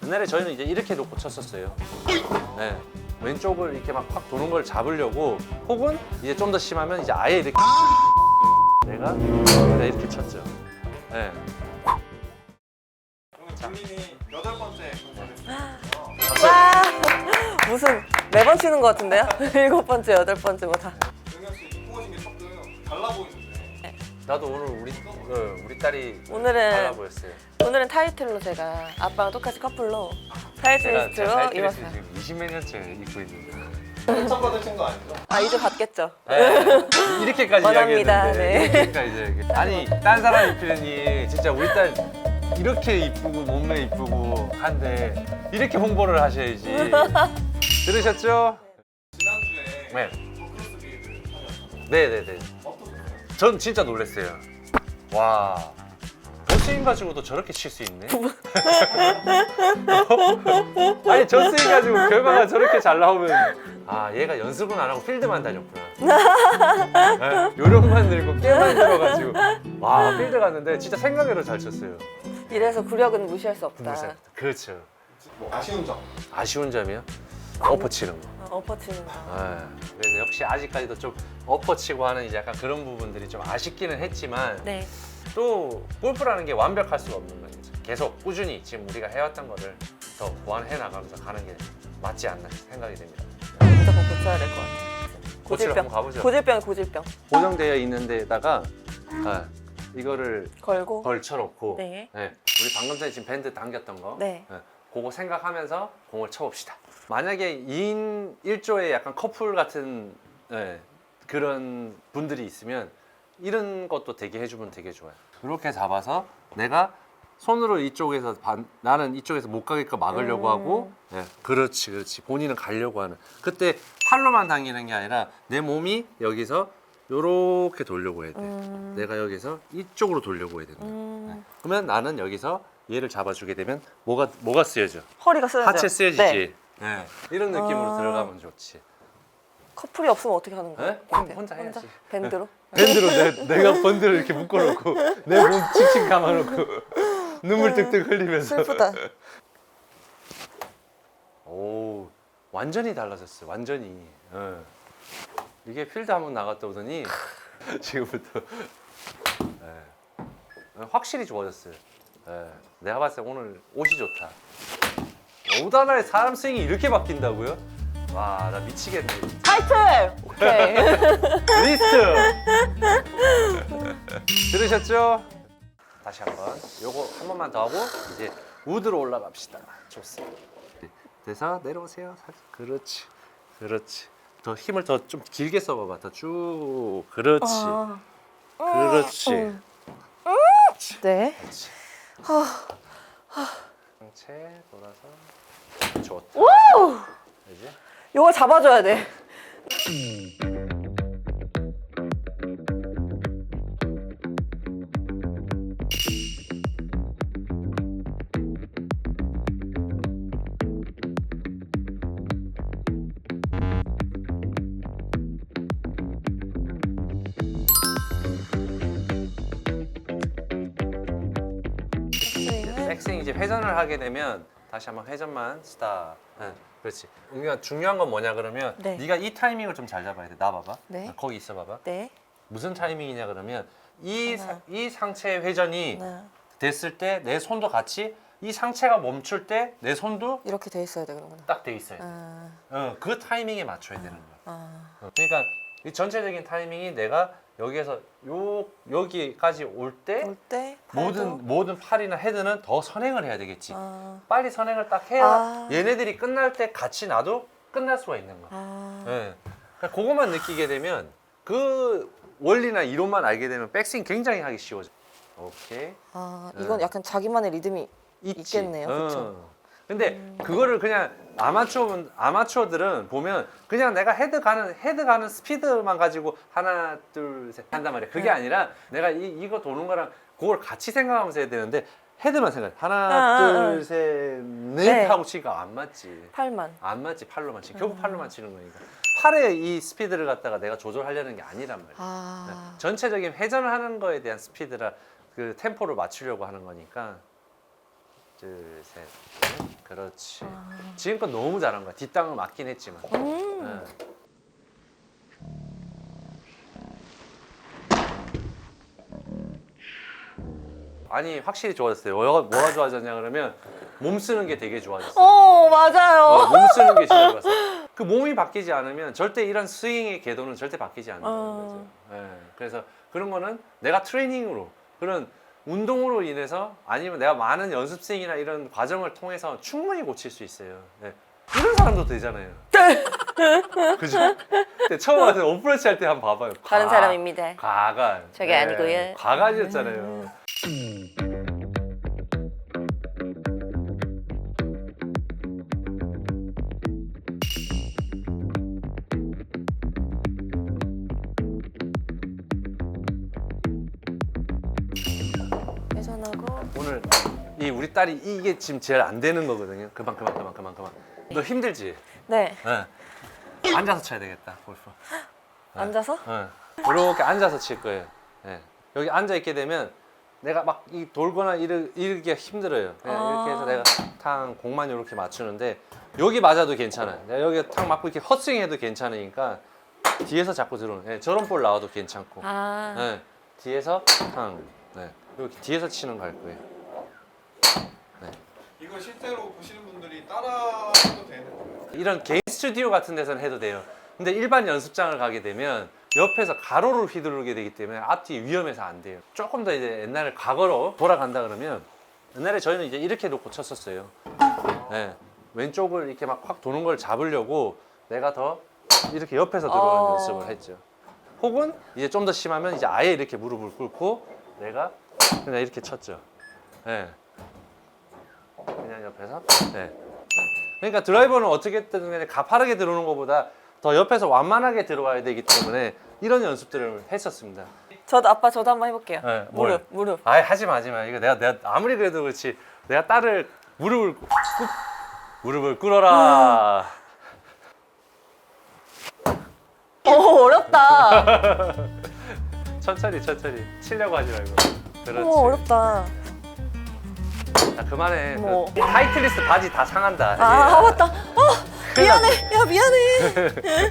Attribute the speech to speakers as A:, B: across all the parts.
A: 옛날에 저희는 이제 이렇게 놓고 쳤었어요. 네. 왼쪽을 이렇게 막 확 도는 걸 잡으려고, 혹은 이제 좀 더 심하면 이제 아예 이렇게 내가 이렇게 쳤죠. 네.
B: 오늘 본인이 8번째 경선을
C: 와 무슨 매번 치는 것 같은데요? 7번째, 8번째마다.
B: 영현 씨 이쁘신 게 조금 달라 보이는데
A: 나도 오늘 우리 딸이 달라
C: 오늘은
A: 보였어요.
C: 타이틀로 제가 아빠랑 똑같이 커플로
A: 제가
C: 타이틀리스트로
A: 타이틀리스트
C: 입었어요.
A: 지금 20몇 년째 입고 있는데.
B: 추천 받으신 거 아니죠?
C: 아 이제 받겠죠.
A: 네. 이렇게까지
C: 원합니다.
A: 이야기했는데
C: 네.
A: 이렇게까지 이제 아니 딴 사람 입히더니 진짜 우리 딸 이렇게 이쁘고 몸매 이쁘고 한데 이렇게 홍보를 하셔야지. 들으셨죠?
B: 지난주에
A: 네.
B: 더크로스비를 하셨잖아요.
A: 네네네.
B: 어떠세요?
A: 전 진짜 놀랐어요. 와. 저스윙 가지고도 저렇게 칠 수 있네? 아니 저스윙 가지고 결과가 저렇게 잘 나오면 아 얘가 연습은 안 하고 필드만 다녔구나. 네, 요령만 늘고 깨만 들어가지고 와 필드 갔는데 진짜 생각외로 잘 쳤어요.
C: 이래서 구력은 무시할 수 없다.
A: 그렇죠.
B: 뭐 아쉬운 점?
A: 아쉬운 점이요? 어퍼 치는 거.
C: 엎어 치는 거.
A: 그래서 역시 아직까지도 좀 엎어 치고 하는 이제 약간 그런 부분들이 좀 아쉽기는 했지만
C: 네.
A: 또 골프라는 게 완벽할 수가 없는 거죠. 계속 꾸준히 지금 우리가 해왔던 거를 더 보완해 나가면서 가는 게 맞지 않나 생각이 됩니다.
C: 무조건 고쳐야 될 것 같아요.
A: 고치러 한번 가보죠.
C: 고질병, 고질병.
A: 고정되어 있는 데다가 이거를
C: 걸고.
A: 걸쳐놓고
C: 네.
A: 우리 방금 전에 지금 밴드 당겼던 거
C: 네.
A: 그거 생각하면서 공을 쳐봅시다. 만약에 2인 1조의 약간 커플 같은 그런 분들이 있으면 이런 것도 되게 해주면 되게 좋아요. 이렇게 잡아서 내가 손으로 이쪽에서 나는 이쪽에서 못 가게끔 막으려고 하고 그렇지 본인은 가려고 하는 그때 팔로만 당기는 게 아니라 내 몸이 여기서 요렇게 돌려고 해야 돼. 내가 여기서 이쪽으로 돌려고 해야 된다. 그러면 나는 여기서 얘를 잡아주게 되면 뭐가 쓰여져?
C: 허리가 쓰여져.
A: 하체 쓰여지지.
C: 네.
A: 이런 느낌으로 들어가면 좋지.
C: 커플이 없으면 어떻게 하는 거예요?
A: 네? 혼자 해야지.
C: 밴드로?
A: 밴드로 내가 밴드를 이렇게 묶어놓고 내 몸 칙칙 감아놓고 눈물 뜩뜩 흘리면서.
C: 슬프다.
A: 오 완전히 달라졌어요. 완전히. 이게 필드 한번 나갔다 오더니 지금부터 확실히 좋아졌어요. 내가 봤을 때 오늘 옷이 좋다. 옷 하나에 사람 스윙이 이렇게 바뀐다고요? 와, 나 미치겠네.
C: 타이틀! 오케이.
A: 리스트! 들으셨죠? 다시 한번 요거 한 번만 더 하고 이제 우드로 올라갑시다. 좋습니다. 돼서 내려오세요. 그렇지. 그렇지. 더 힘을 더 좀 길게 써봐봐. 더 쭉. 그렇지. 그렇지.
C: 네.
A: 그렇지. 상체 돌아서 좋다. 이제
C: 이거 잡아줘야 돼.
A: 백스윙 이제 회전을 하게 되면 다시 한번 회전만 스탑. 그렇지. 그러니까 중요한 건 뭐냐 그러면
C: 네.
A: 네가 이 타이밍을 좀 잘 잡아야 돼. 나 봐봐.
C: 네.
A: 거기 있어 봐봐.
C: 네.
A: 무슨 타이밍이냐 그러면 이
C: 하나.
A: 이 상체의 회전이
C: 네.
A: 됐을 때 내 손도 같이 이 상체가 멈출 때 내 손도
C: 이렇게 돼 있어야 돼 그러구나.
A: 딱 돼 있어야 돼. 그 타이밍에 맞춰야 되는 거야. 그러니까 이 전체적인 타이밍이 내가 여기에서 여기까지 올 때
C: 올 때
A: 모든 팔이나 헤드는 더 선행을 해야 되겠지. 빨리 선행을 딱 해야 얘네들이 끝날 때 같이 나도 끝날 수가 있는 거야. 그러니까 그것만 느끼게 되면 그 원리나 이론만 알게 되면 백스윙 굉장히 하기 쉬워져. 오케이.
C: 이건 약간 자기만의 리듬이
A: 있지.
C: 있겠네요. 그렇죠.
A: 근데 그거를 그냥 아마추어들은 보면 그냥 내가 헤드 가는 스피드만 가지고 하나 둘 셋 한단 말이야. 그게 아니라 내가 이거 도는 거랑 그걸 같이 생각하면서 해야 되는데 헤드만 생각해. 하나 둘 셋 넷
C: 네.
A: 하고 치니까 안 맞지.
C: 팔만.
A: 안 맞지. 팔로만 치. 결국 팔로만 치는 거니까. 팔의 이 스피드를 갖다가 내가 조절하려는 게 아니란 말이야. 전체적인 회전을 하는 거에 대한 스피드라 그 템포를 맞추려고 하는 거니까. 둘, 셋, 넷. 그렇지. 지금껏 너무 잘한 거야. 뒷땅을 맞긴 했지만. 네. 아니 확실히 좋아졌어요. 뭐가 좋아졌냐 그러면 몸 쓰는 게 되게 좋아졌어요.
C: 맞아요.
A: 몸 쓰는 게 진짜 좋았어. 그 몸이 바뀌지 않으면 절대 이런 스윙의 궤도는 절대 바뀌지 않는다는 거죠. 예, 그래서 그런 거는 내가 트레이닝으로 그런 운동으로 인해서 아니면 내가 많은 연습 스윙이나 이런 과정을 통해서 충분히 고칠 수 있어요. 예. 이런 사람도 되잖아요. 그죠? 근데 처음 와서 어프로치 할 때 한번 봐봐요.
C: 다른 사람입니다.
A: 과간.
C: 저게 아니고요.
A: 과간이었잖아요.
C: 회전하고.
A: 오늘 이 우리 딸이 이게 지금 제일 안 되는 거거든요. 그만. 너 힘들지?
C: 네.
A: 네. 앉아서 쳐야 되겠다 골프.
C: 앉아서?
A: 네. 이렇게 앉아서 칠 거예요. 네. 여기 앉아 있게 되면 내가 막 이 돌거나 이르기가 힘들어요. 그냥 이렇게 해서 내가 탕 공만 이렇게 맞추는데 여기 맞아도 괜찮아요. 내가 여기 탕 맞고 이렇게 헛스윙 해도 괜찮으니까 뒤에서 자꾸 들어오는. 네. 저런 볼 나와도 괜찮고. 네. 뒤에서 탕. 네. 이렇게 뒤에서 치는 거 할 거예요. 네.
B: 이거 실제로 보시는 분들이 따라해도 되는 거예요?
A: 이런 개인 스튜디오 같은 데서는 해도 돼요. 근데 일반 연습장을 가게 되면 옆에서 가로를 휘두르게 되기 때문에 앞뒤 위험해서 안 돼요. 조금 더 이제 옛날에 과거로 돌아간다 그러면 옛날에 저희는 이제 이렇게 놓고 쳤었어요. 네. 왼쪽을 이렇게 막 확 도는 걸 잡으려고 내가 더 이렇게 옆에서 들어오는 연습을 했죠. 혹은 이제 좀 더 심하면 이제 아예 이렇게 무릎을 꿇고 내가 그냥 이렇게 쳤죠. 네. 그냥 옆에서. 네. 그러니까 드라이버는 어떻게든 간에 가파르게 들어오는 것보다 더 옆에서 완만하게 들어와야 되기 때문에 이런 연습들을 했었습니다.
C: 저도 한번 해볼게요.
A: 네, 뭘?
C: 무릎.
A: 아이 하지 마. 이거 내가 아무리 그래도 그렇지 내가 딸을 무릎을 꿇어라.
C: 어렵다.
A: 천천히 치려고 하지 말고. 그렇지.
C: 어렵다.
A: 자 그만해.
C: 어머.
A: 그 타이틀리스트 바지 다 상한다.
C: 맞다.
A: 큰일 났어.
C: 미안해. 야, 미안해.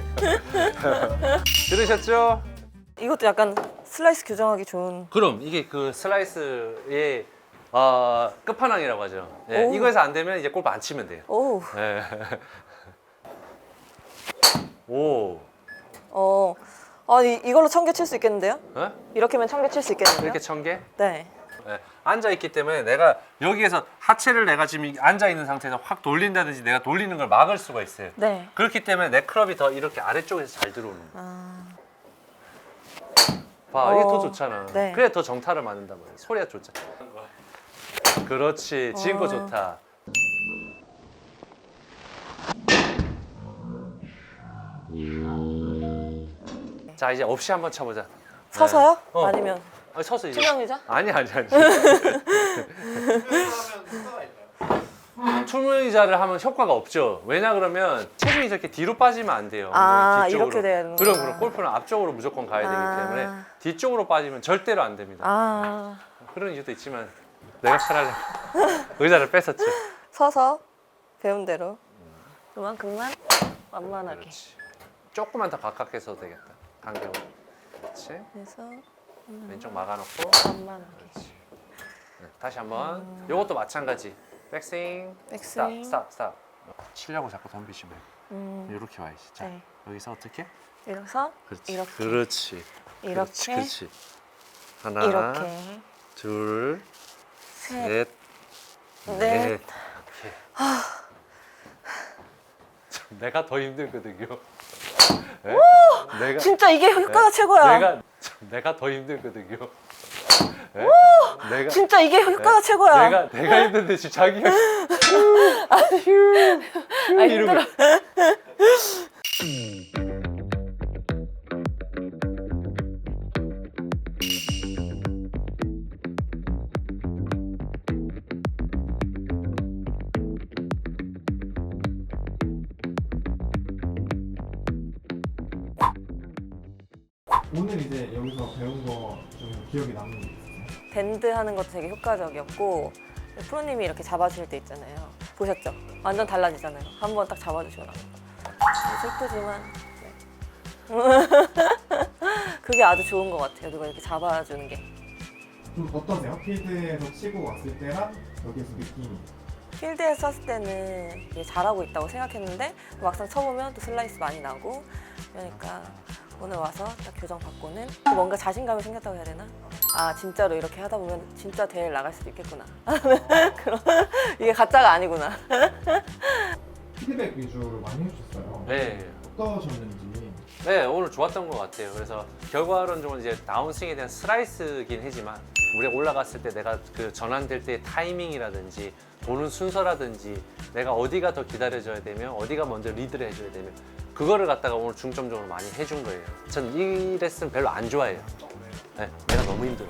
A: 들으셨죠?
C: 이것도 약간 슬라이스 교정하기 좋은.
A: 그럼 이게 그 슬라이스의 끝판왕이라고 하죠. 예,
C: 오.
A: 이거에서 안 되면 이제 골프 안 치면 돼요.
C: 오.
A: 예. 오.
C: 이걸로 1000개 칠 수 있겠는데요?
A: 어?
C: 이렇게면 1000개 칠 수 있겠는데요?
A: 이렇게 1000개?
C: 네.
A: 예. 앉아 있기 때문에 내가 여기에서 하체를 내가 지금 앉아 있는 상태에서 확 돌린다든지 내가 돌리는 걸 막을 수가 있어요.
C: 네.
A: 그렇기 때문에 내 클럽이 더 이렇게 아래쪽에서 잘 들어오는 거예요. 봐, 이게 더 좋잖아.
C: 네.
A: 그래 더 정타를 맞는단 말이야. 소리가 좋잖아. 그렇지. 지금 거 좋다. 자 이제 없이 한번 쳐보자.
C: 서서요?
A: 네. 어.
C: 아니면
A: 아니, 서서 이제.
C: 투명의자?
A: 아니.
B: 하면 효과가 있나요?
A: 투명의자를 하면 효과가 없죠. 왜냐 그러면 체중이 이렇게 뒤로 빠지면 안 돼요. 뒤쪽으로.
C: 이렇게 돼야 되는구나.
A: 그럼 골프는 앞쪽으로 무조건 가야 되기 때문에 뒤쪽으로 빠지면 절대로 안 됩니다. 그런 이유도 있지만 내가 차라리 의자를 뺐었죠.
C: 서서 배운 대로 그만큼만 완만하게.
A: 그렇지. 조금만 더 가깝게 해도 되겠다. 간격을. 그렇지.
C: 그래서
A: 왼쪽 막아놓고.
C: 완만하게.
A: 그렇지. 네, 다시 한번. 요것도 마찬가지. 백스윙.
C: 백스윙.
A: 스탑. 치려고 자꾸 덤비시면 이렇게 와야지. 자,
C: 네.
A: 여기서 어떻게?
C: 이래서
A: 그렇지.
C: 이렇게.
A: 그렇지.
C: 이렇게.
A: 그렇지. 하나,
C: 이렇게.
A: 둘,
C: 셋.
A: 넷.
C: 넷.
A: 오케이. 내가 더 힘들거든요. 네? 내가
C: 진짜 이게 효과가 최고야.
A: 내가 더 힘들거든요. 네? 내가
C: 진짜 이게 효과가 최고야.
A: 내가 힘든데 지금 자기가
C: 힘들어.
B: 오늘 이제 여기서 배운 거 좀 기억에 남는 게 있어요?
C: 밴드 하는 것도 되게 효과적이었고 프로님이 이렇게 잡아주실 때 있잖아요. 보셨죠? 완전 달라지잖아요. 한번 딱 잡아주시고 나면. 슬프지만 네. 그게 아주 좋은 것 같아요. 누가 이렇게 잡아주는 게.
D: 좀 어떠세요? 필드에서 치고 왔을 때랑 여기서 느낌이.
C: 필드에서 쳤을 때는 이게 잘하고 있다고 생각했는데 막상 쳐보면 또 슬라이스 많이 나고 그러니까 오늘 와서 딱 교정 받고는 뭔가 자신감이 생겼다고 해야 되나? 아 진짜로 이렇게 하다 보면 진짜 대회를 나갈 수도 있겠구나. 그런 이게 가짜가 아니구나.
D: 피드백 위주로 많이 해주셨어요.
A: 네.
D: 어떠셨는지.
A: 네, 오늘 좋았던 것 같아요. 그래서 결과론적으로 이제 다운스윙에 대한 슬라이스긴 하지만 우리가 올라갔을 때 내가 그 전환될 때의 타이밍이라든지 도는 순서라든지 내가 어디가 더 기다려줘야 되며 어디가 먼저 리드를 해줘야 되며 그거를 갖다가 오늘 중점적으로 많이 해준 거예요. 전 이 레슨 별로 안 좋아해요. 네, 내가 너무 힘들어.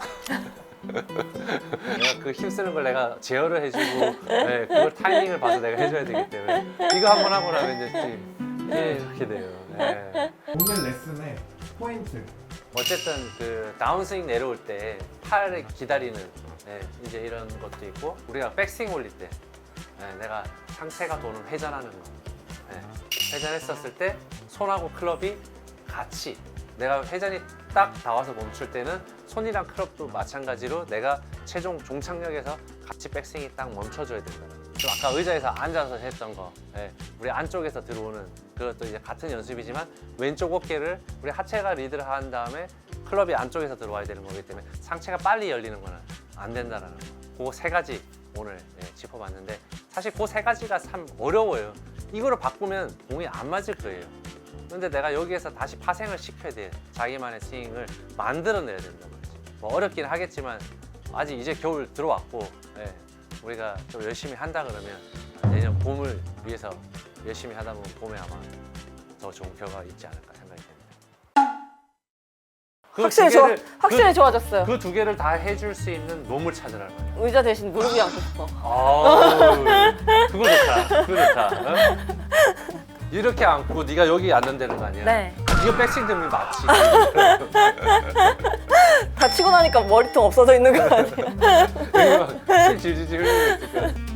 A: 내가 그 힘쓰는 걸 내가 제어를 해주고 네, 그걸 타이밍을 봐서 내가 해줘야 되기 때문에 이거 한번 하고 나면 이제 이렇게 돼요. 네.
D: 오늘 레슨의 포인트.
A: 어쨌든 그 다운스윙 내려올 때 팔을 기다리는 네, 이제 이런 것도 있고 우리가 백스윙 올릴 때 네, 내가 상체가 도는 회전하는 거 네, 회전했었을 때 손하고 클럽이 같이 내가 회전이 딱 나와서 멈출 때는 손이랑 클럽도 마찬가지로 내가 최종 종착역에서 같이 백스윙이 딱 멈춰줘야 된다. 좀 아까 의자에서 앉아서 했던 거 네, 우리 안쪽에서 들어오는 그것도 이제 같은 연습이지만 왼쪽 어깨를 우리 하체가 리드를 한 다음에 클럽이 안쪽에서 들어와야 되는 거기 때문에 상체가 빨리 열리는 거는 안 된다는 거. 그 세 가지 오늘 네, 짚어봤는데 사실 그 세 가지가 참 어려워요. 이거를 바꾸면 공이 안 맞을 거예요. 근데 내가 여기에서 다시 파생을 시켜야 돼. 자기만의 스윙을 만들어내야 된단 말이지. 뭐 어렵긴 하겠지만 아직 이제 겨울 들어왔고 네, 우리가 좀 열심히 한다 그러면 내년 봄을 위해서 열심히 하다 보면 봄에 아마 더 좋은 결과가 있지 않을까 생각이 됩니다.
C: 확실히 좋아졌어요.
A: 그 두 개를 다 해줄 수 있는 놈을 찾으라는 거예요.
C: 의자 대신 무릎이 앉고 싶어.
A: 아우, 그거 좋다. 그거 좋다. 어? 이렇게 앉고 네가 여기 앉는다는 거 아니야?
C: 네.
A: 이거 백스윙 들면 맞지.
C: 다치고 나니까 머리통 없어져 있는 거 아니에요?
A: 여기 막 실 질질질 흘리고 있을 거야.